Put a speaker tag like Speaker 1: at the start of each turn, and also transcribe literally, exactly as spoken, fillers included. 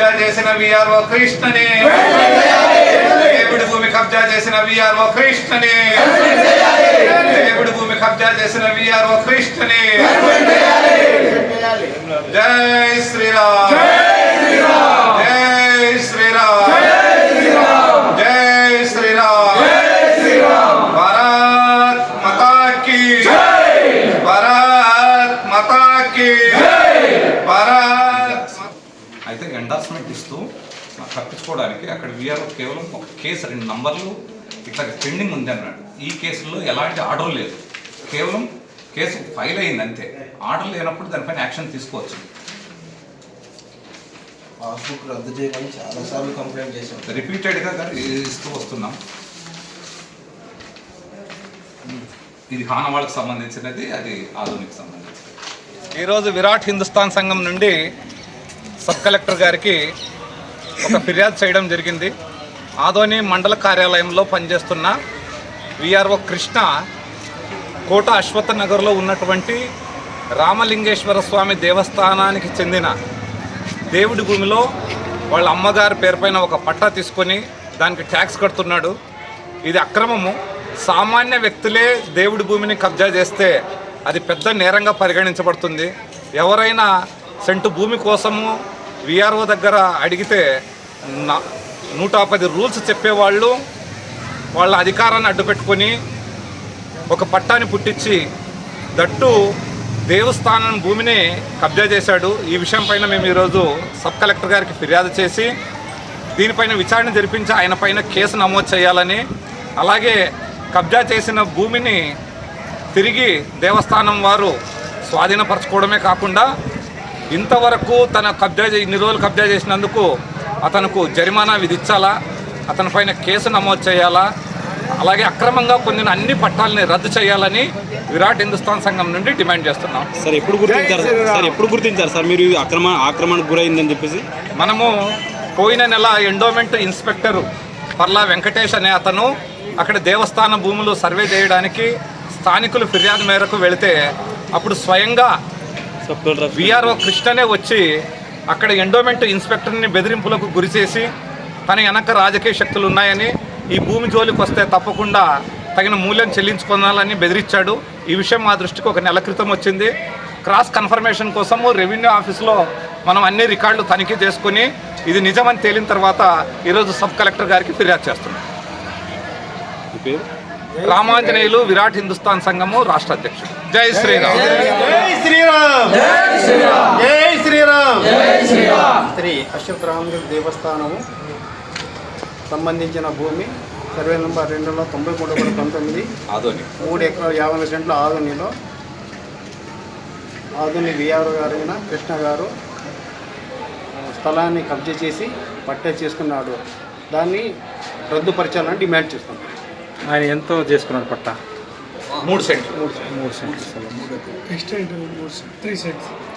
Speaker 1: కబ్జా చేసిన విఆర్ఓ కృష్ణని, దేవుడి భూమి కబ్జా చేసిన విఆర్ఓ కృష్ణని, దేవుడి భూమి కబ్జా చేసిన విఆర్ఓ కృష్ణని. జై శ్రీరామ్, జై శ్రీరామ్, జై శ్రీరామ్. భారత్ మాతా కీ, భారత్ మాతా కీ, భారత్. అయితే ఎండార్స్మెంట్ ఇస్తూ తప్పించుకోవడానికి అక్కడ వీఆర్ఓ కేవలం ఒక కేసు రెండు నంబర్లు ఇట్లా పెండింగ్ ఉంది అన్నాడు. ఈ కేసులో ఎలాంటి ఆర్డర్ లేదు, కేవలం కేసు ఫైల్ అయింది అంతే. ఆర్డర్ లేనప్పుడు దానిపైన యాక్షన్ తీసుకోవచ్చు.
Speaker 2: పాస్బుక్ రద్దు చేయమని చాలాసార్లు కంప్లైంట్ చేశాం,
Speaker 1: రిపీటెడ్గా ఇస్తూ వస్తున్నాం. ఇది హానవాళ్ళకి సంబంధించినది, అది ఆధునిక సంబంధించినది. ఈరోజు విరాట్ హిందుస్థాన్ సంఘం నుండి సబ్ కలెక్టర్ గారికి ఒక ఫిర్యాదు చేయడం జరిగింది. ఆదోని మండల కార్యాలయంలో పనిచేస్తున్న విఆర్ఓ కృష్ణ కోట అశ్వత్థ నగర్లో ఉన్నటువంటి రామలింగేశ్వర స్వామి దేవస్థానానికి చెందిన దేవుడి భూమిలో వాళ్ళ అమ్మగారి పేరుపైన ఒక పట్టా తీసుకొని దానికి ట్యాక్స్ కడుతున్నాడు. ఇది అక్రమము. సామాన్య వ్యక్తులే దేవుడి భూమిని కబ్జా చేస్తే అది పెద్ద నేరంగా పరిగణించబడుతుంది. ఎవరైనా సెంటు భూమి కోసము విఆర్ఓ దగ్గర అడిగితే నూట పది రూల్స్ చెప్పేవాళ్ళు వాళ్ళ అధికారాన్ని అడ్డుపెట్టుకొని ఒక పట్టాన్ని పుట్టించి దట్టు దేవస్థానం భూమిని కబ్జా చేశాడు. ఈ విషయం పైన మేము ఈరోజు సబ్ కలెక్టర్ గారికి ఫిర్యాదు చేసి దీనిపైన విచారణ జరిపించి ఆయన పైన కేసు నమోదు చేయాలని, అలాగే కబ్జా చేసిన భూమిని తిరిగి దేవస్థానం వారు స్వాధీనపరచుకోవడమే కాకుండా ఇంతవరకు తన కబ్జా ఇన్ని రోజులు కబ్జా చేసినందుకు అతనుకు జరిమానా విధించాలా, అతని పైన కేసు నమోదు చేయాలా, అలాగే అక్రమంగా పొందిన అన్ని పట్టాలని రద్దు చేయాలని విరాట్ హిందుస్థాన్ సంఘం నుండి డిమాండ్ చేస్తున్నాం.
Speaker 3: సార్ ఎప్పుడు గుర్తించారు సార్ ఎప్పుడు గుర్తించారు సార్ మీరు అక్రమ ఆక్రమణకు గురైందని చెప్పేసి?
Speaker 1: మనము పోయిన నెల ఎండోమెంట్ ఇన్స్పెక్టర్ పర్లా వెంకటేష్ అనే అతను అక్కడ దేవస్థాన భూములు సర్వే చేయడానికి స్థానికులు ఫిర్యాదు మేరకు వెళితే అప్పుడు స్వయంగా విఆర్ఓ కృష్ణనే వచ్చి అక్కడ ఎండోమెంట్ ఇన్స్పెక్టర్ని బెదిరింపులకు గురిచేసి తన వెనక రాజకీయ శక్తులు ఉన్నాయని, ఈ భూమి జోలికి వస్తే తప్పకుండా తగిన మూల్యం చెల్లించుకోవాలని బెదిరించాడు. ఈ విషయం మా దృష్టికి ఒక నెల క్రితం వచ్చింది. క్రాస్ కన్ఫర్మేషన్ కోసము రెవెన్యూ ఆఫీస్లో మనం అన్ని రికార్డులు తనిఖీ చేసుకుని ఇది నిజమని తేలిన తర్వాత ఈరోజు సబ్ కలెక్టర్ గారికి ఫిర్యాదు చేస్తున్నాం. రామాంజనేయులు విరాట్ హిందుస్థాన్ సంఘము రాష్ట్ర అధ్యక్షుడు. జై శ్రీరామ్,
Speaker 4: జై శ్రీరామ్, జై శ్రీరామ్, జై శ్రీరామ్. శ్రీ అశ్వత్థ రామగిరి దేవస్థానము సంబంధించిన భూమి సర్వే నెంబర్ రెండు వందల తొంభై మూడు వందల పంతొమ్మిది
Speaker 1: ఆదోని
Speaker 4: మూడు ఎకరాల యాభై సెంట్ల ఆదోనిలో ఆదోని విఆర్ఓ గారైన కృష్ణ గారు స్థలాన్ని కబ్జా చేసి పట్టే చేసుకున్నాడు. దాన్ని రద్దుపరచాలని డిమాండ్ చేస్తున్నాం.
Speaker 3: ఆయన ఎంతో చేసుకున్నాడు పట్టా?
Speaker 1: మూడు సెంట్లు
Speaker 3: మూడు సెంట్లు
Speaker 4: ఎక్స్టెంట్ త్రీ సెంట్స్